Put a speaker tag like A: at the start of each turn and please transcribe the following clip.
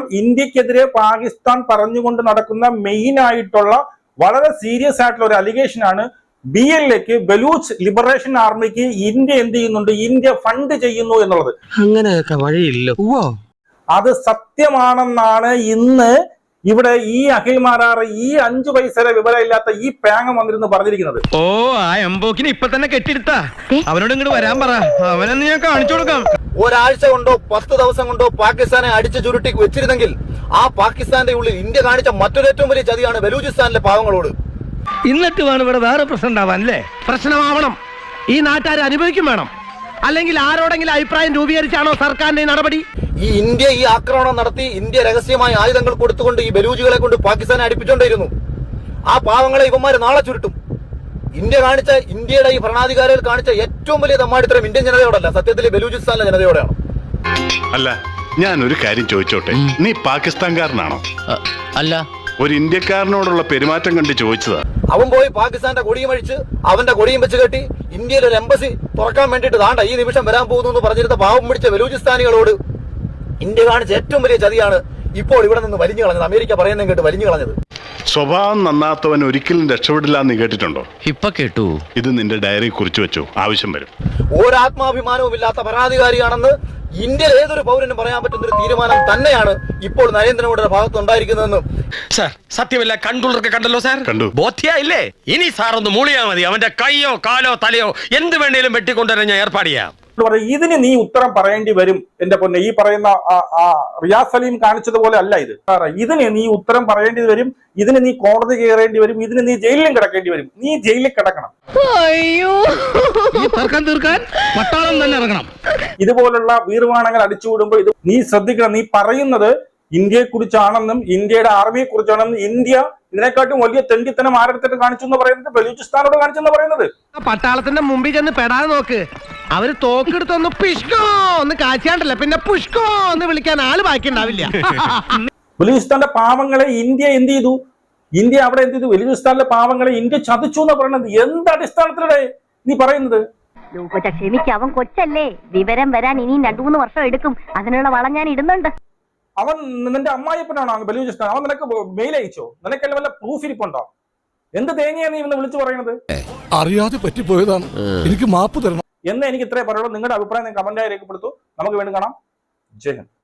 A: ഇന്ത്യക്കെതിരെ പാകിസ്ഥാൻ പറഞ്ഞുകൊണ്ട് നടക്കുന്ന മെയിൻ ആയിട്ടുള്ള വളരെ സീരിയസ് ആയിട്ടുള്ള ഒരു അലിഗേഷൻ ആണ് BLAക്ക് ബലൂച്ച് ലിബറേഷൻ ആർമിക്ക് ഇന്ത്യ എന്ത് ചെയ്യുന്നുണ്ട്, ഇന്ത്യ ഫണ്ട് ചെയ്യുന്നു എന്നുള്ളത്.
B: അങ്ങനെയൊക്കെ വഴിയില്ല.
A: അത് സത്യമാണെന്നാണ് ഇന്ന് ഇവിടെ ഈ അഖിൽ മാരാർ ഈ 5 പൈസയുടെ വിവരമില്ലാത്ത ഈ പേങ്ങ വന്നിരുന്ന് പറഞ്ഞിരിക്കുന്നത്.
C: ഓ, ആ എംബോക്കിന് ഇപ്പൊ തന്നെ കെട്ടിയെടുത്താ അവനോട് ഇങ്ങോട്ട് വരാൻ പറ, അവനെന്ന് ഞാൻ കാണിച്ചു കൊടുക്കാം.
D: ഒരാഴ്ച കൊണ്ടോ 10 ദിവസം കൊണ്ടോ പാകിസ്ഥാനെ അടിച്ചു ചുരുട്ടി വെച്ചിരുന്നെങ്കിൽ ആ പാകിസ്ഥാന്റെ ഉള്ളിൽ ഇന്ത്യ കാണിച്ച മറ്റൊരു ഏറ്റവും വലിയ ചതിയാണ് ബലൂചിസ്ഥാനിലെ പാവങ്ങളോട്.
C: എന്നിട്ട് വേണം ഇവിടെ വേറെ പ്രശ്നം ഉണ്ടാവാൻ അല്ലേ? പ്രശ്നമാവണം, ഈ നാട്ടുകാർ അനുഭവിക്കും വേണം. അല്ലെങ്കിൽ ആരോടെങ്കിലും അഭിപ്രായം രൂപീകരിച്ചാണോ സർക്കാരിന്റെ നടപടി?
D: ഈ ഇന്ത്യ ഈ ആക്രമണം നടത്തി ഇന്ത്യ രഹസ്യമായ ആയുധങ്ങൾ കൊടുത്തുകൊണ്ട് ഈ ബലൂജികളെ കൊണ്ട് പാകിസ്ഥാനെ അടുപ്പിച്ചുകൊണ്ടിരുന്നു. ആ പാവങ്ങളെ ഇവന്മാര് നാളെ ചുരുട്ടും. ഇന്ത്യയുടെ ഈ ഭരണാധികാരികൾ കാണിച്ച ഏറ്റവും വലിയ തമ്മാടിത്തരം ഇന്ത്യൻ ജനതയോടല്ല, സത്യത്തിൽ ബലൂചിസ്ഥാനിലെ ജനതയോടാണ്.
E: അല്ല, ഞാൻ ഒരു കാര്യം ചോദിച്ചോട്ടെ, നീ പാകിസ്ഥാൻകാരനാണോ?
F: അല്ല,
E: ഒരു ഇന്ത്യക്കാരനോടുള്ള പെരുമാറ്റം കണ്ട് ചോദിച്ചതാ.
D: അവൻ പോയി പാകിസ്ഥാന്റെ കൊടിയും അഴിച്ച് അവന്റെ കൊടിയും വെച്ച് കെട്ടി ഇന്ത്യയിൽ ഒരു എംബസി തുറക്കാൻ വേണ്ടിയിട്ട് താണ്ട ഈ നിമിഷം വരാൻ പോകുന്നു എന്ന് പറഞ്ഞിരുന്ന പാവം പിടിച്ച ബലൂചിസ്ഥാനികളോട് ഇന്ത്യ കാണിച്ച ഏറ്റവും വലിയ ചതിയാണ് ഇപ്പോൾ ഇവിടെ നിന്ന് വലിഞ്ഞു കളഞ്ഞത്. അമേരിക്ക പറയുന്നതും കേട്ട് വലിഞ്ഞു കളഞ്ഞത്.
E: സ്വഭാവം നന്നാത്തവൻ ഒരിക്കലും രക്ഷപ്പെടില്ല എന്ന് കേട്ടിട്ടുണ്ടോ?
F: ഇപ്പൊ കേട്ടു.
E: ഇത് നിന്റെ ഡയറി കുറിച്ചു വെച്ചോ, ആവശ്യം വരും.
D: ഒരാത്മാഭിമാനവും ഇല്ലാത്ത ഭരണാധികാരിയാണെന്ന് ഇന്ത്യയിൽ ഏതൊരു പൗരനും പറയാൻ പറ്റുന്ന ഒരു തീരുമാനം തന്നെയാണ് ഇപ്പോൾ നരേന്ദ്രമോദിയുടെ ഭാഗത്ത് ഉണ്ടായിരിക്കുന്നതെന്ന്.
C: സാർ, സത്യമല്ല കണ്ടുള്ളവർക്ക് കണ്ടല്ലോ സാർ,
E: കണ്ടു.
C: ബോധ്യായില്ലേ? ഇനി സാർ ഒന്ന് മൂളിയാ മതി, അവന്റെ കൈയോ കാലോ തലയോ എന്ത് വേണേലും വെട്ടിക്കൊണ്ടുവരാൻ ഞാൻ ഏർപ്പാട് ചെയ്യാം.
A: ഇതിന് നീ ഉത്തരം പറയേണ്ടി വരും എന്റെ പൊന്നെ. ഈ പറയുന്ന റിയാസ് സലീം കാണിച്ചതുപോലെ അല്ല ഇത്. ഇതിന് നീ ഉത്തരം പറയേണ്ടി വരും, ഇതിന് നീ കോടതി കയറേണ്ടി വരും, ഇതിന് നീ ജയിലിലും കിടക്കേണ്ടി വരും. നീ ജയിലിൽ കിടക്കണം.
C: തീർക്കാൻ പട്ടാളം തന്നെ ഇറങ്ങണം.
A: ഇതുപോലുള്ള വീർവാണങ്ങൾ അടിച്ചുവിടുമ്പോൾ ഇത് നീ ശ്രദ്ധിക്കണം. നീ പറയുന്നത് ഇന്ത്യയെ കുറിച്ചാണെന്നും ഇന്ത്യയുടെ ആർമിയെ കുറിച്ചാണെന്നും ഇന്ത്യ ഇതിനെക്കാട്ടും വലിയ തെണ്ടിത്തനം ആരെടുത്തിട്ട് കാണിച്ചു എന്ന് പറയുന്നത് ബലൂചിസ്ഥാനോട് കാണിച്ചെന്ന് പറയുന്നത്.
C: പട്ടാളത്തിന്റെ മുമ്പിൽ ചെന്ന് പെടാതെ നോക്ക്. അവര് തോക്കെടുത്തൊന്ന് പിഷ്കോ ഒന്ന് കാച്ചാണ്ടല്ല, പിന്നെ പുഷ്കോ എന്ന് വിളിക്കാൻ ആള് ബാക്കി ഉണ്ടാവില്ല.
A: ബലൂചിസ്ഥാന്റെ പാവങ്ങളെ ഇന്ത്യ എന്ത് ചെയ്തു? ഇന്ത്യ അവിടെ എന്ത് ചെയ്തു? ബലൂചിസ്ഥാനിലെ പാവങ്ങളെ ഇന്ത്യ ചതിച്ചു എന്ന് പറയുന്നത് എന്ത് അടിസ്ഥാനത്തിലൂടെ നീ പറയുന്നത്?
G: ക്ഷമിക്കവൻ കൊച്ചല്ലേ, വിവരം വരാൻ ഇനിയും 2-3 വർഷം എടുക്കും. അതിനുള്ള വളം ഞാൻ ഇടുന്നുണ്ട്.
A: അവൻ നിന്റെ അമ്മായിപ്പനാണോ ബലൂചിസ്ഥാൻ? അവൻ നിനക്ക് മെയിൽ അയച്ചോ? നിനക്കെല്ലാം വല്ല പ്രൂഫ് ഇരിപ്പുണ്ടോ? എന്ത് തേങ്ങയാ നീ ഇന്ന് വിളിച്ചു പറയുന്നത്?
H: അറിയാതെ പറ്റിപ്പോയതാണ്, എനിക്ക് മാപ്പ് തരണം
A: എന്ന് എനിക്ക് ഇത്രേ പറയുള്ളൂ. നിങ്ങളുടെ അഭിപ്രായം കമന്റായി രേഖപ്പെടുത്തൂ. നമുക്ക് വീണ്ടും കാണാം. ജയ് ഹിന്ദ്.